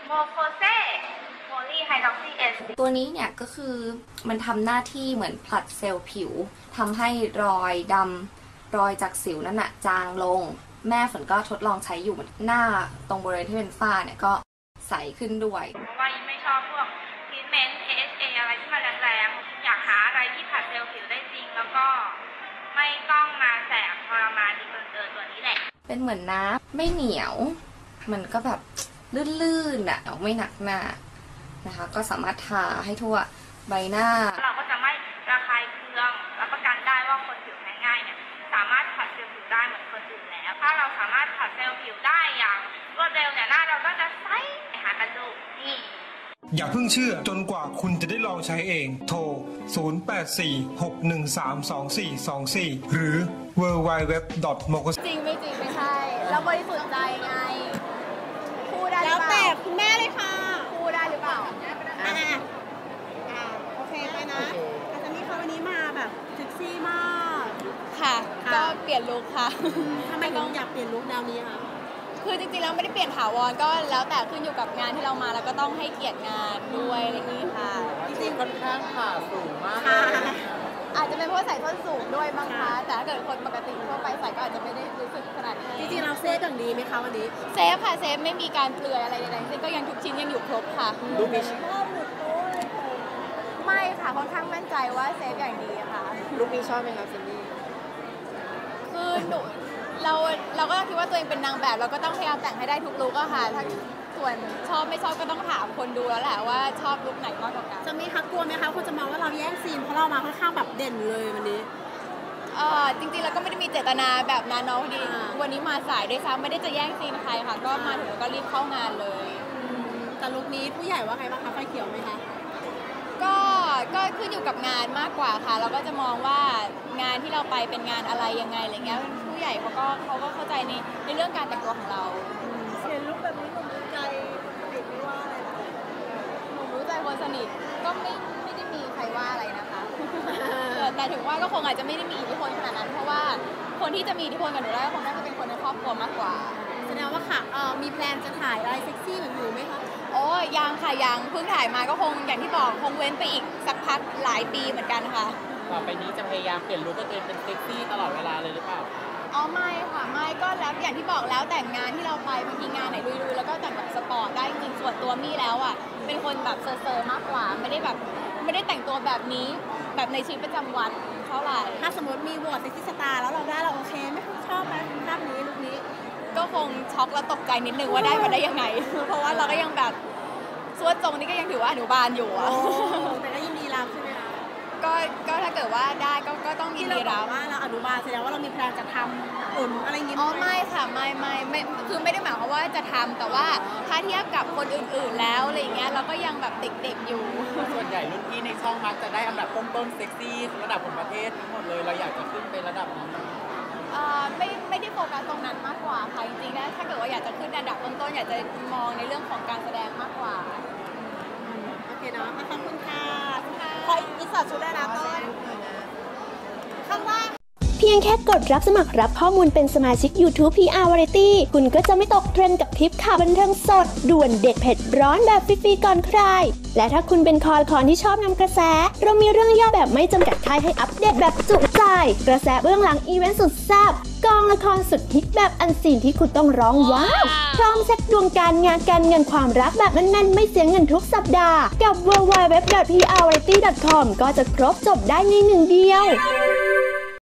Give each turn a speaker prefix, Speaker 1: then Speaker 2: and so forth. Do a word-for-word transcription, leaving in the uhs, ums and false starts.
Speaker 1: โมโคเซโพลีไฮดรอกซีเอส
Speaker 2: ตัวนี้เนี่ยก็คือมันทำหน้าที่เหมือนผลัดเซลล์ผิวทำให้รอยดำรอยจากสิวนั่นน่ะจางลงแม่ฝนก็ทดลองใช้อยู่หน้าตรงบริเวณที่เป็นฝ้าเนี่ยก็ใสขึ้นด้วย
Speaker 1: เพราะว่ายิ่งไม่ชอบพวกทรีทเมนต์ เอ เอช เอ อะไรที่มันแรงๆอยากหาอะไรที่ผลัดเซลล์ผิวได้จริงแล้วก็ไม่ต้องมาแสบทรมานดีเกินเกินตัวนี้แหละ
Speaker 2: เป็นเหมือนน้ำไม่เหนียวมันก็แบบลื่นๆอ่ะไม่หนักหน้านะคะก็สามารถทาให้ทั่วใบหน้า
Speaker 1: เราก็จะไม่ระคายเคืองรับประกันได้ว่าคนผิวแพ้ง่ายเนี่ยสามารถผัดเซลล์ผิวได้เหมือนคนอื่นแล้วถ้าเราสามารถผัดเซลล์ผิวได้อย่างรวดเร็วเนี่ยหน้าเราก็จะใสหากันดูนี่
Speaker 3: อย่าเพิ่งเชื่อจนกว่าคุณจะได้ลองใช้เองโทรศูนย์ แปด สี่ หก หนึ่ง สาม สอง สี่ สอง สี่หรือ ดับเบิลยู ดับเบิลยู ดับเบิลยู ดอท โมโค
Speaker 4: จริงไม่จริงไม่ใช่เราบริสุทธิ์ใจไงพูดได้
Speaker 5: แล้วแต่คุณแม่เลยค่ะ
Speaker 4: พูดได้หรือเปล่า
Speaker 5: อ่าอ่าโอเคไปนะอาจารย์นี่เขาวันนี้มาแบบเซ็กซี่มาก
Speaker 4: ค่ะก็เปลี่ยนลุคค่ะ
Speaker 5: ทำไมต้องอยากเปลี่ยนลุคแนวนี้คะ
Speaker 4: คือจริงๆแล้วไม่ได้เปลี่ยนถาวรก็แล้วแต่ขึ้นอยู่กับงานที่เรามาแล้วก็ต้องให้เกียรติงานด้วยอะไรอย่างนี้ค่ะ
Speaker 5: จริงๆค่อนข้างผ่าสูงมาก
Speaker 4: อาจจะเป็นเพราะใส่ส้นสูงด้วยบางคะแต่ถ้าเกิดคนปกติทั่วไปใส่ก็อาจจะไม่ได้รู้สึกขนาดนี้
Speaker 5: จริงๆเราเซฟอย่างดีไหมคะวันนี้
Speaker 4: เซฟค่ะเซฟไม่มีการเปลือยอะไรใดๆซึ่งก็ยังทุกชิ้นยังอยู่ครบค่ะ
Speaker 5: ดูมีชอบ
Speaker 4: ไม่ค่ะค่อนข้างมั่นใจว่าเซฟอย่างดีค่ะ
Speaker 5: ลุคนี้ชอบไหมคะซินดี้
Speaker 4: คือหนูเราเราก็คิดว่าตัวเองเป็นนางแบบเราก็ต้องพยายามแต่งให้ได้ทุกลุคอะค่ะถ้าส่วนชอบไม่ชอบก็ต้องถามคนดูแล้วแหละว่าชอบลุคไหนมากกว่ากัน
Speaker 5: จะมีทักกลัวไหมคะคนจะมองว่าเราแย่งซีนเพราะเรามาค่อนข้างแบบเด่นเลยวันนี้
Speaker 4: เออจริงๆเราก็ไม่ได้มีเจตนาแบบนั้นเนาะพอดีวันนี้มาสายด้วยซ้ำไม่ได้จะแย่งซีนใครค่ะก็มาถึงก็รีบเข้างานเลย
Speaker 5: แต่ลุคนี้ผู้ใหญ่ว่าไงบ้างคะไฟเขียวไหมคะ
Speaker 4: ก็ก็ขึ้นอยู่กับงานมากกว่าค่ะเราก็จะมองว่างานที่เราไปเป็นงานอะไรยังไงอะไรเงี้ยผู้ใหญ่เขาก็เขาก็เข้าใจในในเรื่องการแต่งตัวของเรา
Speaker 5: เห็นลุคแบบนี้หนุ่มรู้ใจคนสนิทไม่ว่าอะไรนะ
Speaker 4: หนุ่มรู้ใจคนสนิทก็ไม่ไม่ได้มีใครว่าอะไรนะคะแต่ถึงว่าก็คงอาจจะไม่ได้มีอิทธิพลขนาดนั้นเพราะว่าคนที่จะมีอิทธิพลกับหนูได้คงน่าจะเป็นคนในครอบครัวมากกว่า
Speaker 5: แสดงว่าค่ะเอ่อมีแพลนจะถ่ายอะไรเซ็กซี่เหมือนหนูไหมคะ
Speaker 4: โอ้ยังค่ะยังเพิ่งถ่ายมาก็คงอย่างที่บอกคงเว้นไปอีกสักพักหลายปีเหมือนกันค่ะ
Speaker 6: ต่อไปนี้จะพยายามเปลี่ยนลุคให้ตัวเองเป็นเซ็กซี่ตลอดเวลาเลยหรือเปล่า
Speaker 4: อ๋อไม่ค่ะไม่ก็แล้วอย่างที่บอกแล้วแต่งงานที่เราไปบางทีงานไหนลุยๆแล้วก็แต่งแบบสปอร์ตได้จริงส่วนตัวมี่แล้วอ่ะเป็นคนแบบเซอร์ๆมากกว่าไม่ได้แบบไม่ได้แต่งตัวแบบนี้แบบในชีวิตประจำวันเท่าไหร่
Speaker 5: ถ้าสมมติมีโหวตเซ็กซี่สตาร์แล้วเราได้เราโอเคไม่ชอบไหมภาพนี้ลุคนี้
Speaker 4: ก็คงช็อกและตกใจนิดนึงว่าได้มาได้ยังไงเพราะว่าเราก็ยังแบบสวดทรงนี้ก็ยังถือว่าอนุบาลอยู่อะ
Speaker 5: แต่ก็ยินดีรับใช่ไหมคะ
Speaker 4: ก็ก็ถ้าเกิดว่าได้ก็ก็ต้องยินดีรับ
Speaker 5: ว่าเราอนุบาลแสดงว่าเรามีแพลนจะทำอุ่นอะไรอย่างงี้
Speaker 4: อ๋อไม่ค่ะไม่ไม่ไม่คือไม่ได้หมายความว่าจะทำแต่ว่าถ้าเทียบกับคนอื่นๆแล้วอะไรเงี้ยเราก็ยังแบบเด็กๆอยู่
Speaker 6: ส่วนใหญ่รุ่นพี่ในช่องมักจะได้อันดับต้นๆเซ็กซี่ระดับของประเทศทั้งหมดเลยเราอยากจะขึ้นไประดับนั้น
Speaker 4: ไม่ไม่ได้โฟกัสตรงนั้นมากกว่าค่ะจริงๆนะถ้าเกิดว่าอยากจะขึ้นอันดับต้นๆอยากจะมองในเรื่องของการแสดงมากกว่า
Speaker 5: โอเคเนาะขอบคุณค่ะขออินเสิร์ตชุดได้นะต้นข้างล่าง
Speaker 7: เพียงแค่กดรับสมัครรับข้อมูลเป็นสมาชิก YouTube พี อาร์ Variety คุณก็จะไม่ตกเทรนด์กับคลิปข่าวบันเทิงสดด่วนเด็ดเผ็ดร้อนแบบฟรีๆก่อนใครและถ้าคุณเป็นคอคอนที่ชอบนำกระแสเรามีเรื่องย่อแบบไม่จำกัดท้ายให้อัปเดตแบบจุใจกระแสเบื้องหลังอีเวนต์สุดแซ่บกองละครสุดฮิตแบบอันซีนที่คุณต้องร้องว้าวพร้อมเช็คดวงการงานการเงินความรักแบบแน่นๆไม่เสียเงินทุกสัปดาห์กับ ดับเบิลยู ดับเบิลยู ดับเบิลยู ดอท พี อาร์ วาไรตี้ ดอท คอม ก็จะครบจบได้ในหนึ่งเดียว